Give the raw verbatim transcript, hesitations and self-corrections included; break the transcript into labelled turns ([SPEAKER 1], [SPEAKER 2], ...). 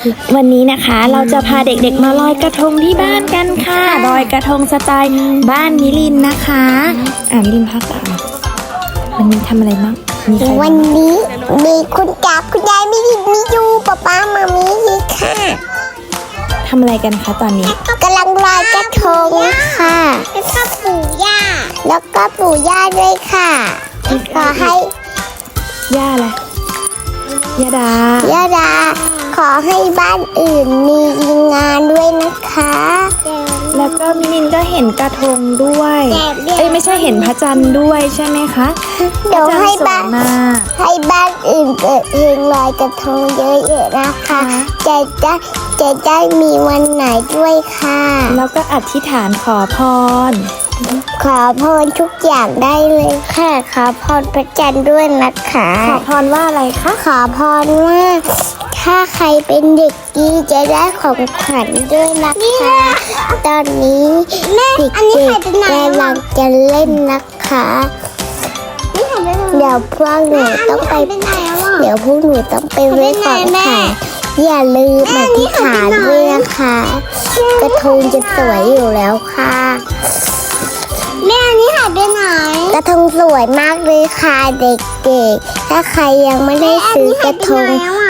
[SPEAKER 1] วันนี้นะคะเราจะพาเด็กๆมาลอยกระทงที่บ้านกันค่ะลอยกระทงสไตล์บ้านมิลินนะคะอ่ามิลินพักอ่ะวันนี้ทำอะไรบ้างมีใคร
[SPEAKER 2] วันนี้มีคุณตาคุณยายมีมียูป๊าป๊ามามีค่ะ
[SPEAKER 1] ทำอะไรกันคะตอนนี้
[SPEAKER 2] กำลังลอยกระทงค่ะแล้วก็ปู่ย่าแล้วก็ปู่ย่าด้วยค่ะขอให้
[SPEAKER 1] ย่าอะไรย่าดา
[SPEAKER 2] ย่าดาขอให้บ้านอื่นมีงานด้วยนะคะ
[SPEAKER 1] แล้วก็มิลินก็เห็นกระทงด้วยเอ้ยไม่ใช่เห็นพระจันทร์ด้วยใช่ไหมคะ
[SPEAKER 2] เดี๋ยวให้
[SPEAKER 1] พระจั
[SPEAKER 2] บ้าน น
[SPEAKER 1] ทร์สวยมาก
[SPEAKER 2] ให้บ้านอื่นเกิดเพลงลอยกระทงเยอะๆนะคะจะจะจะได้มีวันไหนด้วยค่ะ
[SPEAKER 1] แล้วก็อธิษฐานขอพร
[SPEAKER 2] ขอพรทุกอย่างได้เลยค่ะ ขอพรพระจันทร์ด้วยนะคะ
[SPEAKER 1] ขอพรว่าอะไรคะ
[SPEAKER 2] ขอพรว่าถ้าใครเป็นเด็กดีจะได้ของขวัญด้วยนะคะ ตอนนี้เด็กๆกำลังจะเล่นนะคะเดี๋ยวพวกหนูต้องไปเดี๋ยวพวกหนูต้องไปเล่นของค่ะอย่าลืมอธิษฐานด้วยนะคะ กระทงจะสวยอยู่แล้วค่ะแม่อันนี้หายไปไหนกระทงสวยมากเลยค่ะเด็กๆถ้าใครยังไม่ได้ซื้อกระทง